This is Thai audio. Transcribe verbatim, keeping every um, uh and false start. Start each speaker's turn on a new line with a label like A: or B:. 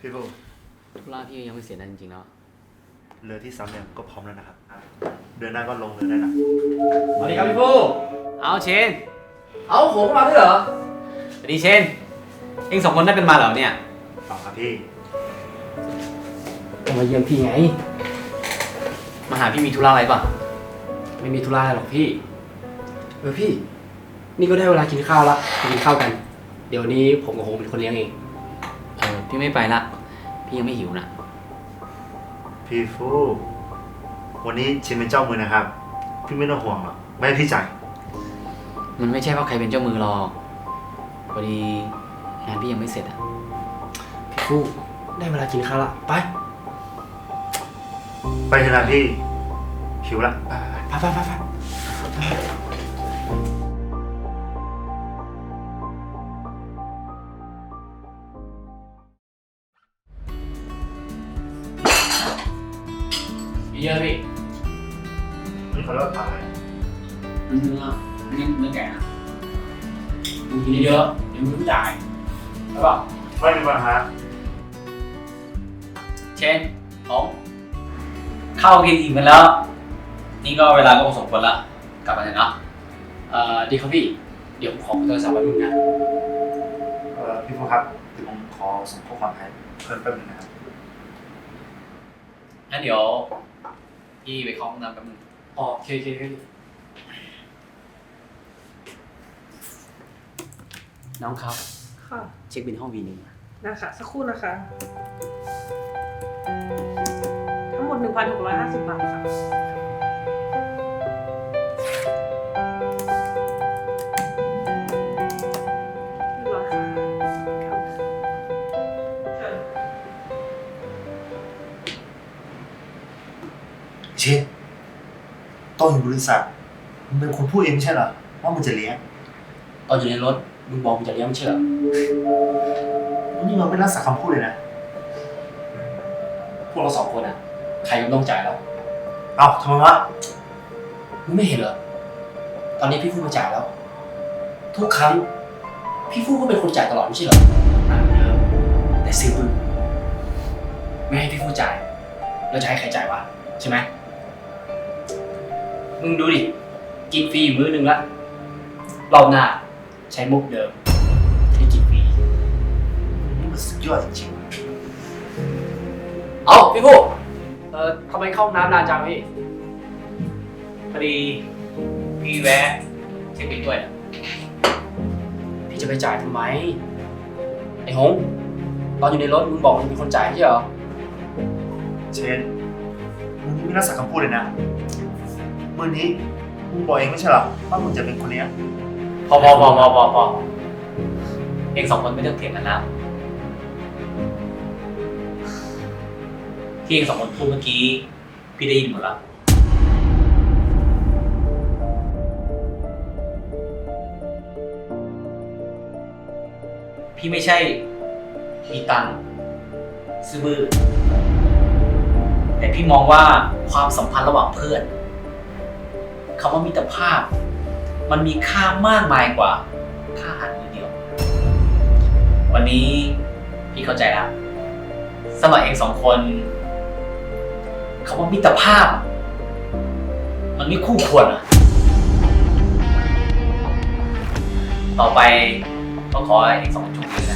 A: พี่บู
B: ธุระพี่ยังไม่เสร็จนะจริงๆแล้ว
A: เรือที่ซ้ำเนี่ยก็พร้อมแล้วนะครับเดือนหน้าก็ลงเรือได้นะ
C: สวัสดีครับพี่ผู้
B: เอาเชน
C: เอาผมมาด้วยเหรอ
B: สวัสดีเชนเอ็งสองคนได้เป็นมาเหรอเนี่ย
A: เปล่าครับพี่
C: มาเยี่ยมพี่ไง
B: มาหาพี่มีธุระอะไรป่ะ
C: ไม่มีธุระหรอกพี่เออพี่นี่ก็ได้เวลากินข้าวละไปกินข้าวกันเดี๋ยวนี้ผมกับโฮมเป็นคนเลี้ยงเอง
B: เออพี่ไม่ไปละพี่ยังไม่หิวนะ
A: พี่ฟูวันนี้เชนเป็นเจ้ามือนะครับพี่ไม่ต้องห่วงหรอกไม่ให้พี่จ่าย
B: มันไม่ใช่เพราะใครเป็นเจ้ามือหรอกพอดีงานพี่ยังไม่เสร็จอ่ะ
C: พี่ฟูได้เวลากินข้าวละไป
A: ไปเถอะนะพี่หิวละ
C: ไปไปไปไปเยอะพี่
A: นี่เขาเลิกขาย
C: เนื้อเนื้อเนื้อแก่มึงกินเยอะเดี๋ยวมึงต้องจ่ายใช่ป่ะ
A: ไม่มีปัญหา
B: เชนผมเข้ากินอิ่มกันแล้วนี่ก็เวลาก็สมควรละกลับมาเถอะเนาะ
C: เอ่อดีครับพี่เดี๋ยวผมขอโทรศัพท์แป๊บนึงนะ
A: เอ่อพี่ฟูครับเดี๋ยวผมขอส่งข้อความให้เพิ่มแป๊บนึงนะครับ
B: งั้นเดี๋ยวพี่ไปเข้าห้องน้ำแป๊บนึง
C: อ๋อโอเคโอเคพี่น้องครับ
D: ค่ะ
B: เช็คบินห้องวีนึง
D: นะคะสักครู่นะคะทั้งหมด หนึ่งพันหกร้อยห้าสิบ บาทค่ะเรียบร้อยค่ะเชิญ
A: เชนตอนอยู่บริษัทมึงเป็นคนพูดเองไม่ใช่เหรอว่ามึงจะเลี้ยง
C: ตอนอยู่ในรถมึงบอกมึงจะเลี้ยงไม่ใช่เหรอ
A: วันนี้เราไม่รักษาคำพูดเลยนะ
C: พวกเราสองคนอ่ะใครก็ต้องจ่ายแล้ว
A: เอ้าทำไมวะ
C: มึงไม่เห็นเหรอตอนนี้พี่ฟูมาจ่ายแล้วทุกครั้งพี่ฟูก็เป็นคนจ่ายตลอดไม่ใช่เหรอแต่ซิมึงไม่ให้พี่ฟูจ่ายแล้วจะให้ใครจ่ายวะใช่ไหมมึงดูดิกินฟรีมื้อนึงละรอบหน้าใช้มุกเดิมให้กินฟรี
A: นี่มันสุดยอดจริง
C: ๆเอาพี่ฟูเอ่อทำไมเข้าห้องน้ำนานจังพี่
B: พอดีพี่แวะเช็คบินด้วยนะ
C: พี่จะไปจ่ายทำไมไอ้หงตอนอยู่ในรถมึงบอกมึงเป็นคนจ่ายไม่ใช่เหรอ
A: เชนมึงนี่ไม่รักษาคำพูดเลยนะเมื่อนี้มึงบอกเองไม่ใช่เหรอว่ามึงจะเป็นคนเลี้ยง
B: พอพอพอพอพอพอเองสองคนไม่ต้องเถียงกันแล้วที่เองสองคนพูดเมื่อกี้พี่ได้ยินหมดแล้วพี่ไม่ใช่มีตังค์ซื้อบื้อแต่พี่มองว่าความสัมพันธ์ระหว่างเพื่อนคำว่ามิตรภาพมันมีค่ามากมายกว่าค่าอาหารมื้อเดียววันนี้พี่เข้าใจแล้วสำหรับเองสองคนคำว่ามิตรภาพมันไม่คู่ควรอ่ะต่อไปก็ขอให้เองสองคนโชคดีนะ